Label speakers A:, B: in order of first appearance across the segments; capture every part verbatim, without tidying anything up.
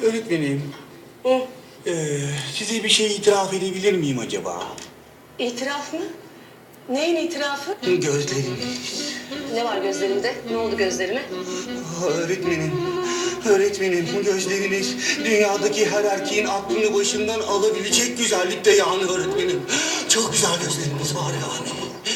A: Öğretmenim,
B: Hı.
A: ee, size bir şey itiraf edebilir miyim acaba?
B: İtiraf mı? Neyin itirafı?
A: Gözleriniz.
B: Ne var gözlerimde? Ne oldu gözlerime?
A: Ah, Öğretmenim, öğretmenim gözleriniz dünyadaki her erkeğin aklını başından alabilecek güzellikte yani öğretmenim. Çok güzel gözleriniz var yani.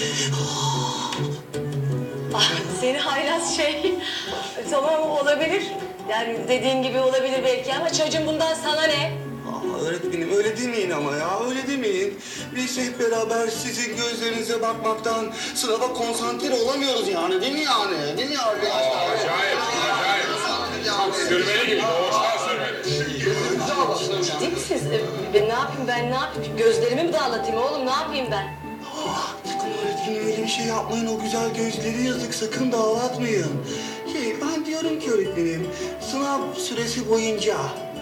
B: Ah, seni haylaz şey. Tamam olabilir. Yani dediğin gibi olabilir belki ama çocuğum bundan sana ne?
A: Aa, öğretmenim öyle demeyin ama ya öyle demeyin. Biz hep beraber sizin gözlerinize bakmaktan sınava konsantre olamıyoruz yani değil mi yani? Değil mi arkadaşlar?
C: Acayip, acayip. Sürmeli gibi, doğuştan sürmeli.
B: Ciddi misiniz? Ee, Ben ne yapayım ben ne yapayım? Gözlerimi mi dağılatayım oğlum ne yapayım ben?
A: Ah, sakın öğretmenim öyle bir şey yapmayın. O güzel gözleri yazık. Sakın dağıtmayın. Şey, ben diyorum ki öğretmenim, sınav süresi boyunca...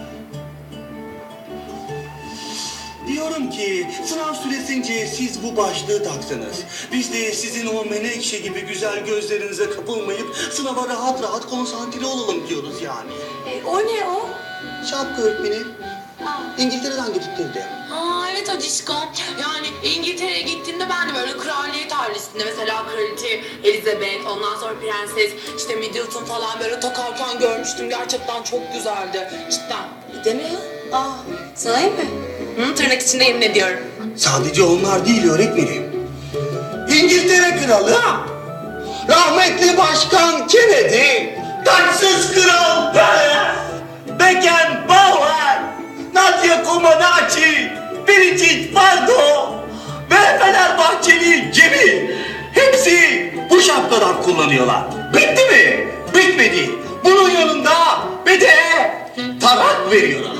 A: Diyorum ki sınav süresince siz bu başlığı taksanız. Biz de sizin o menekşe gibi güzel gözlerinize kapılmayıp sınava rahat rahat konsantre olalım diyoruz yani.
B: E, o ne o?
A: Şapka öğretmenim. İngiltere'den getirtirdi.
D: Aa evet Acişko. Yani İngiltere'ye gittiğimde ben de böyle kraliyet ailesinde mesela kraliçe Elizabeth, ondan sonra prenses, işte Middleton falan böyle takarken görmüştüm. Gerçekten çok güzeldi. Cidden.
B: Değil mi ya? Aa, sahi mi?
D: Hı, tırnak içinde yemin ediyorum.
A: Sadece onlar değil öğretmenim. İngiltere kralı, rahmetli başkan Kennedy, taçsız kral Pelé, Beckenbauer, Nadia Comaneci, Brigitte Bardot ve Fenerbahçeli Cemil. Hepsi bu şapkadan kullanıyorlar. Bitti mi? Bitmedi. Bunun yanında bir de tarak veriyorlar.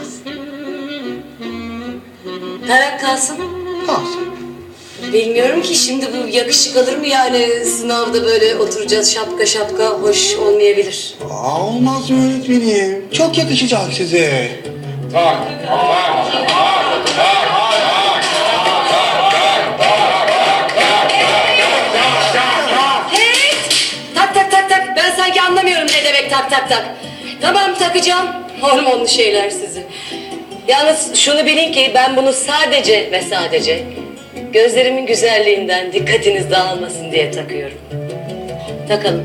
B: Tarak kalsın.
A: Kalsın.
B: Bilmiyorum ki şimdi bu yakışık alır mı yani sınavda böyle oturacağız şapka şapka hoş olmayabilir.
A: Aa, olmaz mı öğretmenim? Çok yakışacak size.
C: Tak, tak, tak, tak.
B: Hey! Tak tak tak tak ben sanki anlamıyorum ne demek tak tak tak. Tamam takacağım hormonlu şeyler sizi. Yalnız şunu bilin ki ben bunu sadece ve sadece gözlerimin güzelliğinden dikkatiniz dağılmasın diye takıyorum. Takalım.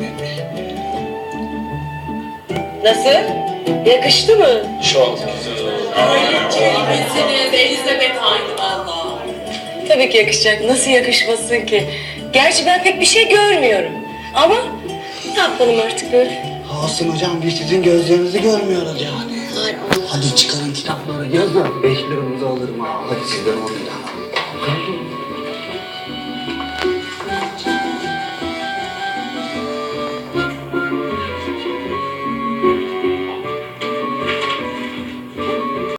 B: Nasıl? Yakıştı mı?
C: Çok güzel oldu.
D: Misiniz Elizabeth aynı valla.
B: Tabii ki yakışacak. Nasıl yakışmasın ki? Gerçi ben pek bir şey görmüyorum. Ama ne yapalım artık böyle?
A: Olsun hocam, biz sizin gözlerinizi görmüyoruz yani.
B: Ay Allah.
A: Hadi çıkarın kitapları yazın. Beş liramız olur mu? Hadi sizden on lira.